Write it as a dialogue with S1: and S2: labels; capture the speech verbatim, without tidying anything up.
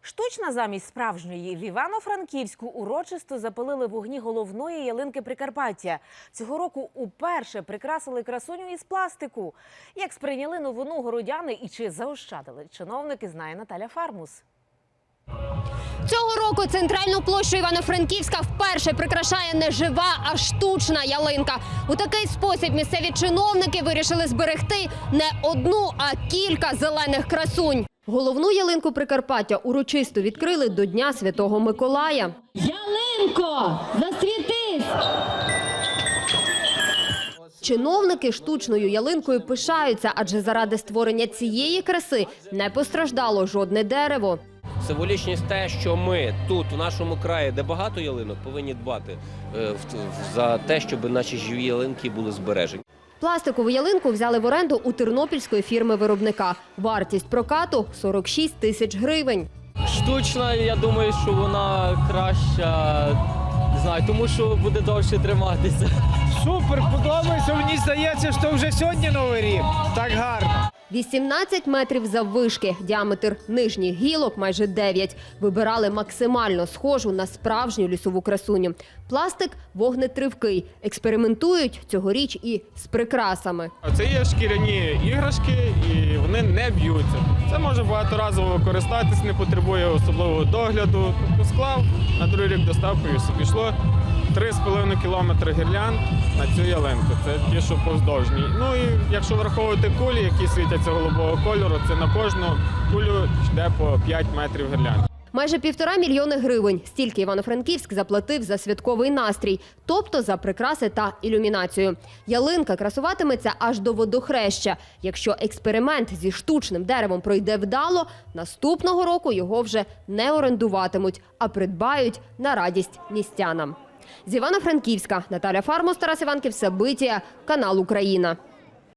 S1: Штучна замість справжньої. В Івано-Франківську урочисто запалили вогні головної ялинки Прикарпаття. Цього року уперше прикрасили красуню із пластику. Як сприйняли новину городяни і чи заощадили чиновники, знає Наталя Фармус.
S2: Цього року центральну площу Івано-Франківська вперше прикрашає не жива, а штучна ялинка. У такий спосіб місцеві чиновники вирішили зберегти не одну, а кілька зелених красунь. Головну ялинку Прикарпаття урочисто відкрили до Дня Святого Миколая.
S3: Ялинко, засвітись!
S2: Чиновники штучною ялинкою пишаються, адже заради створення цієї краси не постраждало жодне дерево.
S4: Символічність те, що ми тут, в нашому краї, де багато ялинок, повинні дбати за те, щоб наші живі ялинки були збережені.
S2: Пластикову ялинку взяли в оренду у тернопільської фірми-виробника. Вартість прокату – сорок шість тисяч гривень.
S5: Штучна, я думаю, що вона краща, не знаю, тому що буде довше триматися.
S6: Супер, подобається, мені здається, що вже сьогодні Новий рік. Так гарно.
S2: вісімнадцять метрів заввишки, діаметр нижніх гілок майже дев'ять. Вибирали максимально схожу на справжню лісову красуню. Пластик вогнетривкий. Експериментують цьогоріч і з прикрасами.
S7: Це є шкіряні іграшки і вони не б'ються. Це може багаторазово користатись, не потребує особливого догляду. Тобто склав, на другий рік доставкою пішло три з половиною кілометри гірлянд на цю ялинку. Це ті, що повздовжні. Ну і якщо враховувати кулі, які світяться голубого кольору, це на кожну кулю йде по п'ять метрів гірлянд.
S2: Майже півтора мільйони гривень. Стільки Івано-Франківськ заплатив за святковий настрій, тобто за прикраси та ілюмінацію. Ялинка красуватиметься аж до водохреща. Якщо експеримент зі штучним деревом пройде вдало, наступного року його вже не орендуватимуть, а придбають на радість містянам. З Івано-Франківська Наталя Фармус, Тарас Іванків, Сабитія, канал Україна.